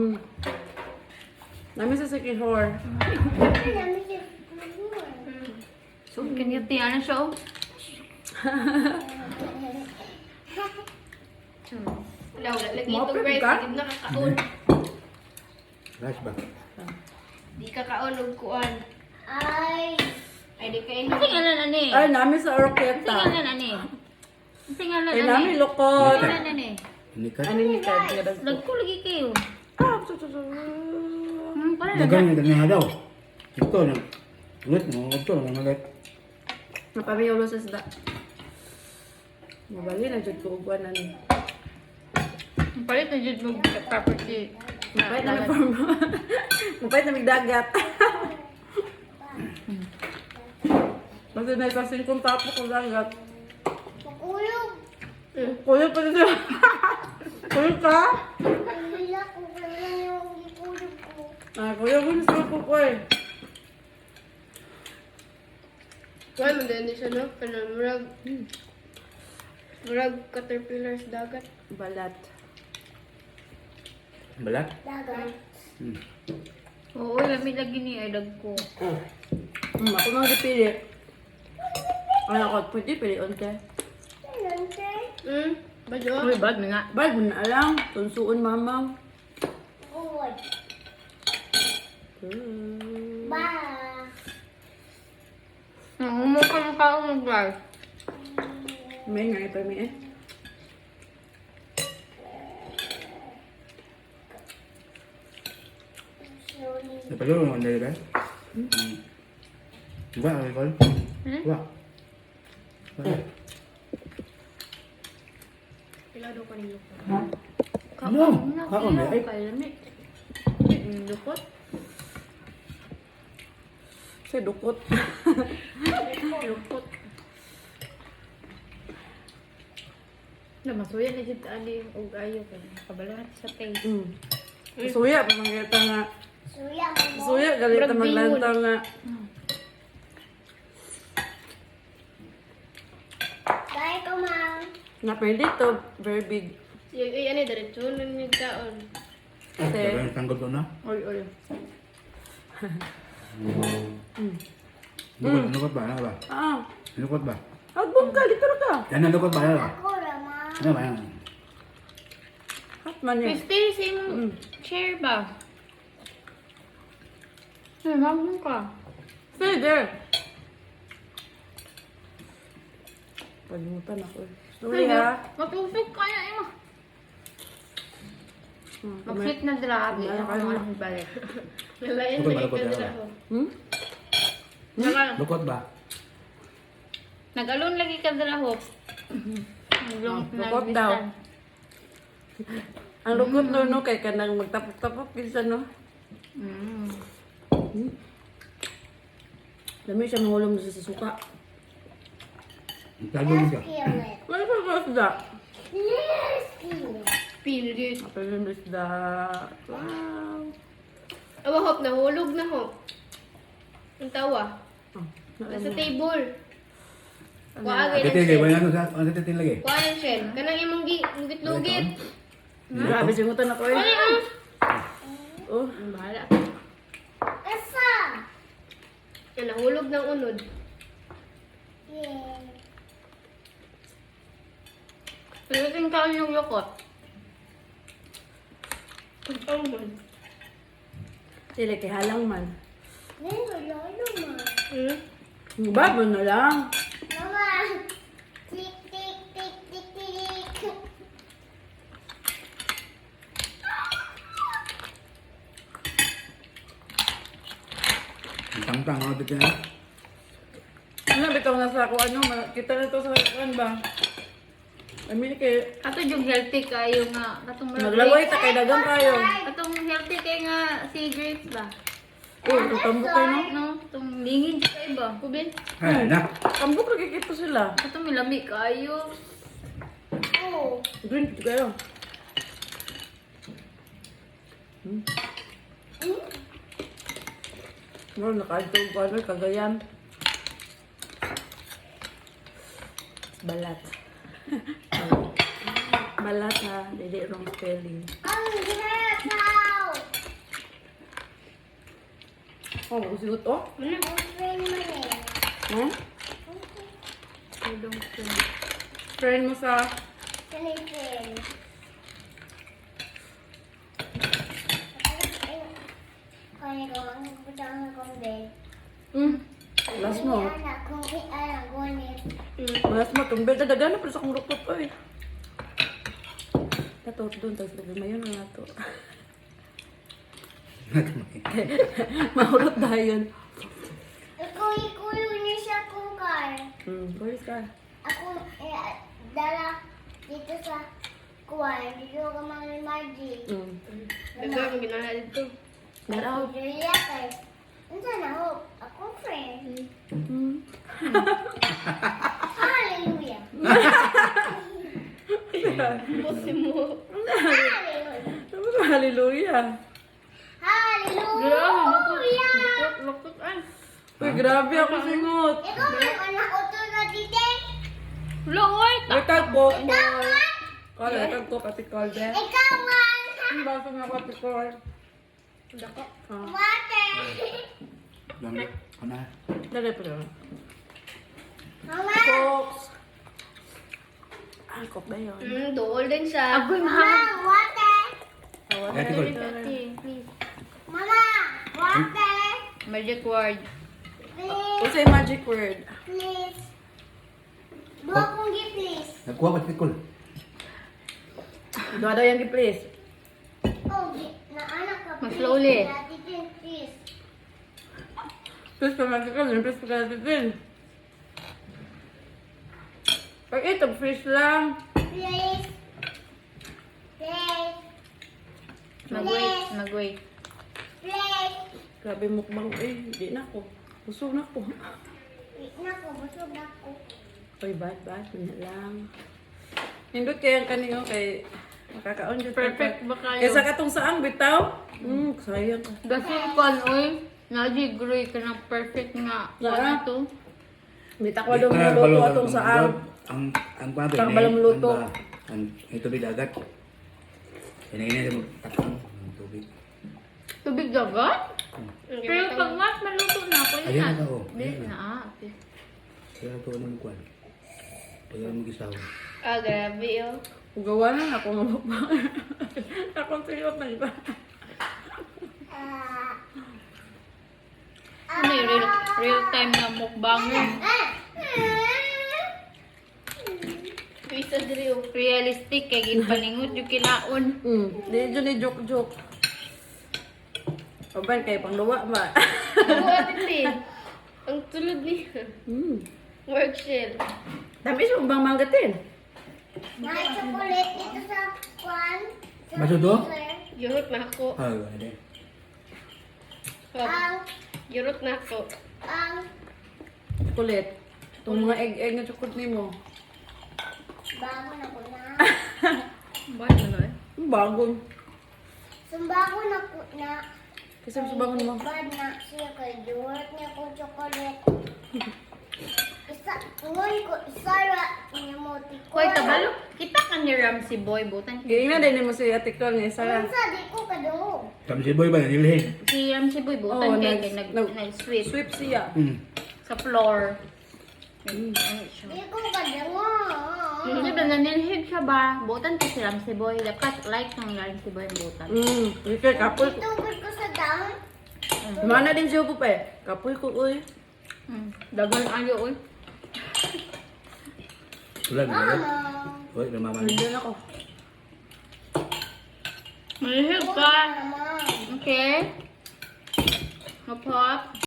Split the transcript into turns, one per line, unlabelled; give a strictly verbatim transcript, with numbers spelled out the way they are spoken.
Nami sa Sikihor.
So, kanyati, ano siya, oh?
Wala, wala. Lagi
Mapit
itong rice.
ka?
Hindi nakakaon.
Rice ba?
Di kakaon og kuan.
Ay.
Ay, di kain.
Kasi nga lang, ano eh.
Ay, nami sa
Kasi nga
Oroqueta.
lang, ano eh. Kasi nga lang,
Ay,
ano
nami
eh.
lukot.
Kasi nga lang, ano eh.
Inikat.
Ano ni Kad?
Lagko lagi kayo.
Ah, su- su- su-
Hmm, pala
Dagang
na.
yung dagang nga daw. Ito na. Ulit mo. Ito na mga ulit.
Napamiyaw lo sa isda. Mabali na dyan ko ugwan na ni.
Palit na dyan mo property.
Mapait na may farm. Mapait na may dagat. Kasi na isasing kong tapo ko dagat.
Makulog.
Kuya pa rin siya. Kuya ka?
Wala ko wala yung ikulog ko.
Ah, kuya ko na sa kuko eh.
Kuan man din siya no. Kanang murag murag caterpillar sa dagat.
Balat.
Balat?
Dagat.
Hmm.
Oo, lamig lagi ni ay dagko.
Oh. Hmm, ako nang dipili. Ay, ako, pwede pili onte.
Ano te?
Hmm. Badyo.
Uy, bad na nga.
Bal, mo na alam. Tunsuon mama.
Uy.
Hmm.
Ba.
Ang umukha ng kaong ng guys.
May nga ito mi eh.
Slowly.
Napalo mo ang dali ba? Hmm. Diba, ang ikol?
Hmm?
Diba? Diba?
Pila do ko nilo ko.
Ano? Kaon ba? Ay,
Kaya lamig. Lukot.
Sa dukot.
Lukot. Na masuya na dyan ali og ayo kay kabalaan sa taste.
Hmm. Suya, pa mangyata nga.
Suya mo.
Suya, galit na maglantaw nga.
Dahil ko mang.
Na pwede to, very big.
Yung ay ano diretso nan yung kaon.
Kasi,
Dagang tanggol ko na.
oy, oy.
Lukot, lukot ba? Ano ba?
Ah,
Lukot ba?
agbong ka, dito ka.
Yan ang lukot ba? Ano ba?
Ako ramang.
Ano ba yan?
Hot man yun.
Christy, same
Mm.
chair ba? Ay, mamon ka.
Pwede. Palimutan ako eh. Sorry ha.
Matusok ka na, Emma.
Hmm,
Mag-flip na grabe.
Wala
Ako
ka na.
ang balik.
Nalayan
Lukot ba,
lagi
lukot
ka
ba?
dira ho.
Hmm?
Naka-
Lukot ba?
Nag-alon lagi ka dala ho. Nag-long
Lukot daw. Ang lukot no, no, kay kanang magtapok-tapok kinsa no.
Mm.
Dami siya mahulong sa suka.
Tago mo siya.
Kill it.
Wala pa ba isda?
Yes, kill it.
Pilit.
Apel yung isda. Wow.
Awa hop nahulog na hop. Ang tawa.
Oh,
Nasa table.
Ano
Kuha
na?
agay ng
Titil,
shell.
wala na sa, ano titil lagi?
Kuha ng shell. Kanang imong gi- lugit-lugit.
Grabe singutan ako eh.
Ay, ah.
Oh,
Ang bahala.
Asa?
Ang nahulog ng unod.
Yeah.
Pero kasing kaon yung lukot.
Ang man.
sila kay halang man.
Ngayon, wala naman.
Hmm?
Babo na lang.
Mama. Tik, tik, tik, tik, tik.
Ang tangtang, ano titil na?
Ano bitaw na sa ako ano, ma- kita na to sa kan ba? I mean kay
Ato yung healthy kayo nga. Katong
naglaway ta kay dagang kayo.
Katong healthy kayo nga si Grace ba?
Oh, tutambok kayo no.
No? Katong lingin siya kayo ba?
Kubin?
Ay, anak.
Tambok lagi kito sila.
Katong milami kayo.
Oh.
Green kayo. Hmm. Ano nakaadto ko ano kagayan. Balat. Balat ha, dili wrong spelling.
Ang hirap.
Oh, usigot oh.
Ano?
Ang friend mo eh.
Hmm?
Udong ko.
Friend mo sa...
Sanay friend. Kaya ko, ang putang akong bed.
Hmm. Last mo.
Anak, kung i-anak, gunit.
Last mo. Itong beda dagana pa sa kong rukot pa eh. Tato, doon. Tapos lagi mayon na nato. Mahurot na yun.
Ako, ikulo niya siya kung car.
Hmm. Boris ka.
Ako, eh, dala dito sa kuwan. Dito ka mga Margie.
Hmm.
Daga ang ginawa dito.
Daraw.
Julia kay. Unsa na ho? Ako friend.
Hmm.
Hallelujah.
Pusi mo.
Hallelujah.
Hallelujah.
Hallelujah.
Lukot ay.
Uy, grabe ako singot.
Ikaw may anak ko to na dite.
Loy!
May tagpo.
Ikaw man.
Kala, tagpo kati Calde.
Ikaw man.
Ang baso nga kati Calde.
Dako.
Ah.
Water.
Lamig. Ano?
Dali pa rin.
Mama.
Cokes. Ah, coke na yun.
Mm, dool din siya.
Agoy,
Mama,
mahal.
water.
Ate ko.
Please.
Mama, water.
Magic word.
Please,
What's a magic word?
please. Dua kong gi, please.
Nagkuha pa tikol.
Doa daw yung please.
Oh, gi- na anak ka,
Mas
please.
slowly.
Dati din, please.
Please pa magic word. Please pa magic word. Pag ito, fish lang.
Please. Please.
Mag-wait. Mag-wait.
Please.
Grabe mukbang. Eh, hindi na ako. Busog na ako.
Wait na ko, busog na ko.
Uy, bad, bad. Hindi lang. Nindot kaya ang kanino kay makakaon dyan.
Perfect ba kayo?
Kaysa katong saang bitaw? Hmm, sayang ka.
Gasin kon, oy. Najigroy ka ng perfect nga.
Saan?
Ano to?
Bita ko daw luto atong saang.
Ang ang pato
Saka balang luto.
Ang ito tubig dagat. Ini-ini mo takang ang tubig.
Tubig dagat?
Ang
Pero
ginagawa.
pag mas maluto na ako
Ayan
yan.
na, oh.
Di
Ayan
na,
na.
ah. Okay.
Kaya ito ano mo kuwan. Kaya mo gisaw.
Ah, grabe oh.
Gawa na ako nga mukbang. Akong siyot na iba.
Ah.
Ano yung real, real time na mukbanger?
Ah.
Pisa diri oh.
Realistic kay ginpaningot yung kilaon.
Hmm, di dyan ni joke-joke. Paban kay pangluwa ba?
Oo, ate Tin. Ang tulad niya.
Hmm.
Work shell.
Dami siya bang manggatin.
May chocolate dito sa kwan. Sa
Masudo?
freezer.
Yurot na ako.
Ah, ano?
Oh,
Ang,
yurot na ako.
ang,
Chocolate. Itong mga egg-egg na chocolate ni mo.
bago na ko na.
Bakit ano eh?
Ang bagong.
Sumbago na ko na.
Kasi mas bangon mo.
Bad na siya kay Duwart niya ko chocolate. Isa, ngon ko, isara niya mo tikon.
Koy, kabalo. Kita ka ni Ramsey Boy. Butan
Kaya nga din mo si Ate Col ni Sarah.
Unsa di ko kadungog.
Kami si Boy ba nilhin?
Si Ramsey Boy, butan
Oo,
kay
nag-
kay nag,
nag-
nag-sweep
Sweep siya.
Hmm.
sa floor. Ano siya?
Di ko kadungog.
Hindi ba nanilhig siya ba? Butan ka si Ramsey Boy. Dapat like ng Ramsey Boy ang butan.
Hmm. Ikaw kapoy ko.
Itugod ko sa down.
Mana din siya po pa eh. Kapoy ko uy.
Mm. Dagan ayo oy.
Tulad na yun.
Mama.
Uy, namamali.
Nandiyan ako.
Malihig ka.
Mama.
Okay? Hop hop.